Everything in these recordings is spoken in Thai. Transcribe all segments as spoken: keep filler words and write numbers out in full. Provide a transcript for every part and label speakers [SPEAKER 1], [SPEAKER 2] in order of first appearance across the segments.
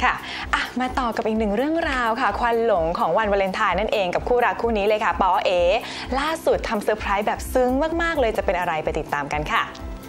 [SPEAKER 1] ค่ะอ่ะมาต่อกับอีกหนึ่งเรื่องราวค่ะควันหลงของวันวาเลนไทน์นั่นเองกับคู่รักคู่นี้เลยค่ะปอเอล่าสุดทำเซอร์ไพรส์แบบซึ้งมากๆเลยจะเป็นอะไรไปติดตามกันค่ะ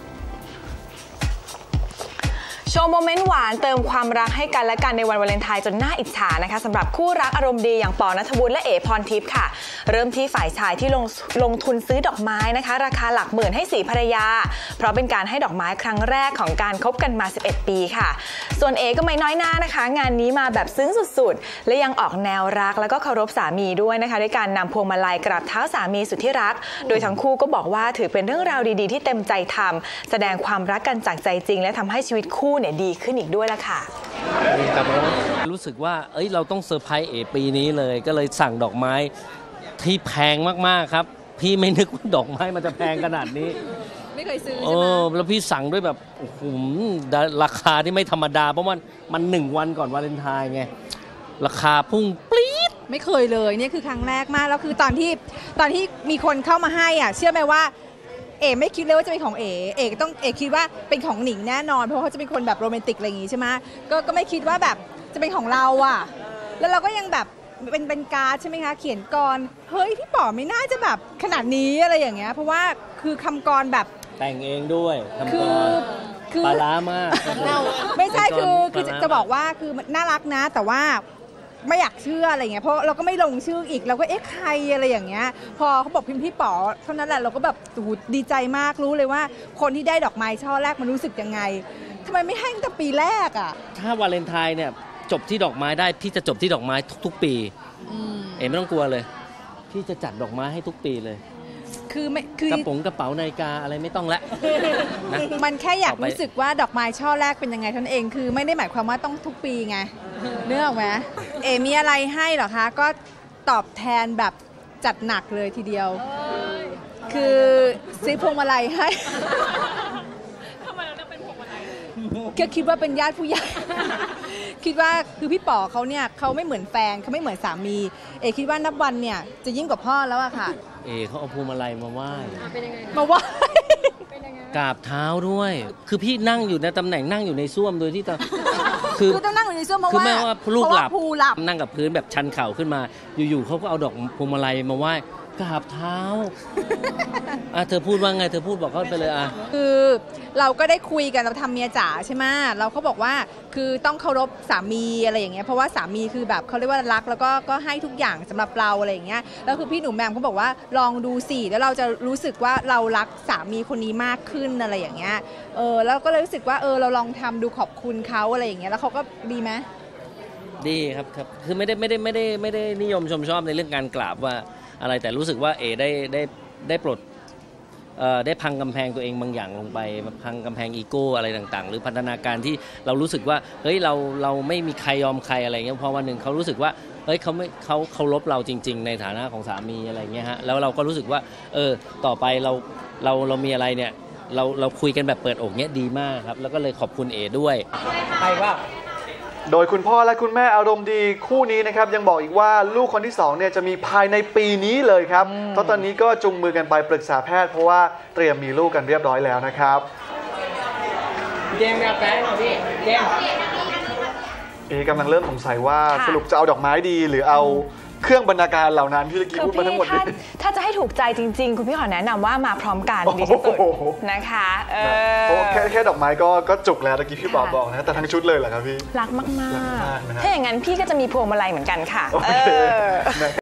[SPEAKER 1] โชว์โมเมนต์หวานเติมความรักให้กันและกันในวันวาเลนไทน์จนน่าอิจฉานะคะสำหรับคู่รักอารมณ์ดีอย่างปอณัฐวุฒิและเอ๋พรทิพย์ค่ะเริ่มที่ฝ่ายชายที่ลงลงทุนซื้อดอกไม้นะคะราคาหลักหมื่นให้สีภรรยาเพราะเป็นการให้ดอกไม้ครั้งแรกของการคบกันมาสิบเอ็ดปีค่ะส่วนเอ๋ก็ไม่น้อยหน้านะคะงานนี้มาแบบซึ้งสุดๆและยังออกแนวรักแล้วก็เคารพสามีด้วยนะคะด้วยการนำพวงมาลัยกราบเท้าสามีสุดที่รักโดยทั้งคู่ก็บอกว่าถือเป็นเรื่องราวดีๆที่เต็มใจทำแสดงความรักกันจากใจจริงและทำให้ชีวิตคู่เนี่ยดีขึ้นอีกด้วยละค่ะ
[SPEAKER 2] รู้สึกว่าเอ้ยเราต้องเซอร์ไพรส์เอปีนี้เลยก็เลยสั่งดอกไม้ที่แพงมากๆครับพี่ไม่นึกว่าดอกไม้มันจะแพงขนาดนี้
[SPEAKER 3] ไม่เคยซื้อใช่ไหม
[SPEAKER 2] เออแล้วพี่สั่งด้วยแบบโอ้โหราคาที่ไม่ธรรมดาเพราะว่ามันหนึ่งวันก่อนวาเลนไทน์ไงราคาพุ่งปรี๊ด
[SPEAKER 3] ไม่เคยเลยเนี่ยคือครั้งแรกมากแล้วคือตอนที่ตอนที่มีคนเข้ามาให้อ่ะเชื่อไหมว่าเอ๋ไม่คิดเลยว่าจะเป็นของเอ๋เอ๋ต้องเอ๋คิดว่าเป็นของหนิงแน่นอนเพราะเขาจะเป็นคนแบบโรแมนติกอะไรอย่างงี้ใช่ไหมก็ก็ไม่คิดว่าแบบจะเป็นของเราอ่ะแล้วเราก็ยังแบบเป็นเป็นการ์ดใช่ไหมคะเขียนกรเฮ้ยพี่ป๋อไม่น่าจะแบบขนาดนี้อะไรอย่างเงี้ยเพราะว่าคือคำกรแบบ
[SPEAKER 2] แต่งเองด้วยคำกร
[SPEAKER 3] คือ
[SPEAKER 2] ปลาล้ามาก
[SPEAKER 3] ไม่ใช่คือคือจะบอกว่าคือน่ารักนะแต่ว่าไม่อยากเชื่ออะไรเงี้ยเพราะเราก็ไม่ลงชื่ออีกเราก็เอ๊ะใครอะไรอย่างเงี้ยพอเขาบอกพิมพ์พี่ป๋อเท่านั้นแหละเราก็แบบดีใจมากรู้เลยว่าคนที่ได้ดอกไม้ช่อแรกมันรู้สึกยังไงทำไมไม่ให้ตั้งแต่ปีแรกอ่ะ
[SPEAKER 2] ถ้าวาเลนไทน์เนี่ยจบที่ดอกไม้ได้พี่จะจบที่ดอกไม้ทุกๆปีเอ๋ไม่ต้องกลัวเลยพี่จะจัดดอกไม้ให้ทุกปีเลย
[SPEAKER 3] คือไม่คือก
[SPEAKER 2] ระป๋องกระเป๋านาฬิกาอะไรไม่ต้องละ
[SPEAKER 3] นะมันแค่อยากรู้สึกว่าดอกไม้ช่อแรกเป็นยังไงท่านเองคือไม่ได้หมายความว่าต้องทุกปีไงเนื้อออกไหมเอ๋มีอะไรให้เหรอคะก็ตอบแทนแบบจัดหนักเลยทีเดียวคือซื้อพวงมาลัยให้
[SPEAKER 4] ทำไมเราต้องเป็นพวงมาลัย
[SPEAKER 3] ก็คิดว่าเป็นญาติผู้ใหญ่คิดว่าคือพี่ป๋อเขาเนี่ยเขาไม่เหมือนแฟนเขาไม่เหมือนสามีเอคิดว่านับวันเนี่ยจะยิ่งกว่าพ่อแล้วอะค่ะ
[SPEAKER 2] เอเขาเอาพวงมาลัยมาไหว้
[SPEAKER 3] มาไหว้
[SPEAKER 2] กราบเท้าด้วยคือพี่นั่งอยู่ในตำแหน่งนั่งอยู่ในส้วมโดยที่ตอน
[SPEAKER 3] คือต้องนั่งอยู่ในส้วมเพราะว่า
[SPEAKER 2] คือแม่ว่าลูกหลั
[SPEAKER 3] บ
[SPEAKER 2] นั่งกับพื้นแบบชันเข่าขึ้นมาอยู่ๆเขาก็เอาดอกพวงมาลัยมาไหว้กราบเท้าอ่ะเธอพูดว่าไงเธอพูดบอกเขาไปเลยอ่ะ
[SPEAKER 3] คือเราก็ได้คุยกันเราทำเมียจ๋าใช่ไหมเราเขาบอกว่าคือต้องเคารพสามีอะไรอย่างเงี้ยเพราะว่าสามีคือแบบเขาเรียกว่ารักแล้วก็ก็ให้ทุกอย่างสำหรับเราอะไรอย่างเงี้ยแล้วคือพี่หนูแมมเขาบอกว่าลองดูสิแล้วเราจะรู้สึกว่าเรารักสามีคนนี้มากขึ้นอะไรอย่างเงี้ยเออแล้วก็เลยรู้สึกว่าเออเราลองทำดูขอบคุณเขาอะไรอย่างเงี้ยแล้วเขาก็ดีไหม
[SPEAKER 2] ดีครับครับคือไม่ได้ไม่ได้ไม่ได้ไม่ได้นิยมชมชอบในเรื่องการกราบว่าอะไรแต่รู้สึกว่าเอได้ได้ได้ปลดได้พังกำแพงตัวเองบางอย่างลงไปพังกำแพงอีโก้อะไรต่างๆหรือพัฒนาการที่เรารู้สึกว่าเฮ้ยเราเราไม่มีใครยอมใครอะไรเงี้ยพอวันหนึ่งเขารู้สึกว่าเฮ้ยเขาไม่เขาเคารพเราจริงๆในฐานะของสามีอะไรเงี้ยฮะแล้วเราก็รู้สึกว่าเออต่อไปเราเราเรามีอะไรเนี่ยเราเราคุยกันแบบเปิดอกเนี้ยดีมากครับแล้วก็เลยขอบคุณเอด้วย
[SPEAKER 5] ใครว่า
[SPEAKER 6] โดยคุณพ่อและคุณแม่อารมณ์ดีคู่นี้นะครับยังบอกอีกว่าลูกคนที่สองเนี่ยจะมีภายในปีนี้เลยครับเพราะตอนนี้ก็จุงมือกันไปปรึกษาแพทย์เพราะว่าเตรียมมีลูกกันเรียบร้อยแล้วนะครับ
[SPEAKER 5] เจมส์กับแฟนของพี่เจมส์
[SPEAKER 6] เอกำลังเริ่มสงสัยว่าสรุปจะเอาดอกไม้ดีหรือเอาเครื่องบรรณาการเหล่านั้นที่ตะกี้พูดมาทั้งหมดนี้
[SPEAKER 1] ถ้าจะให้ถูกใจจริงๆคุณพี่ขอแนะนำว่ามาพร้อมกันดีที่สุดนะคะ
[SPEAKER 6] เพราะแค่แค่ดอกไม้ก็ก็จุกแล้วตะกี้พี่บอกบอกนะแต่ทั้งชุดเลยเหรอครับพี่
[SPEAKER 1] รักมากๆถ้าอย่างนั้นพี่ก็จะมีพวงมาลัยเหมือนกันค่ะ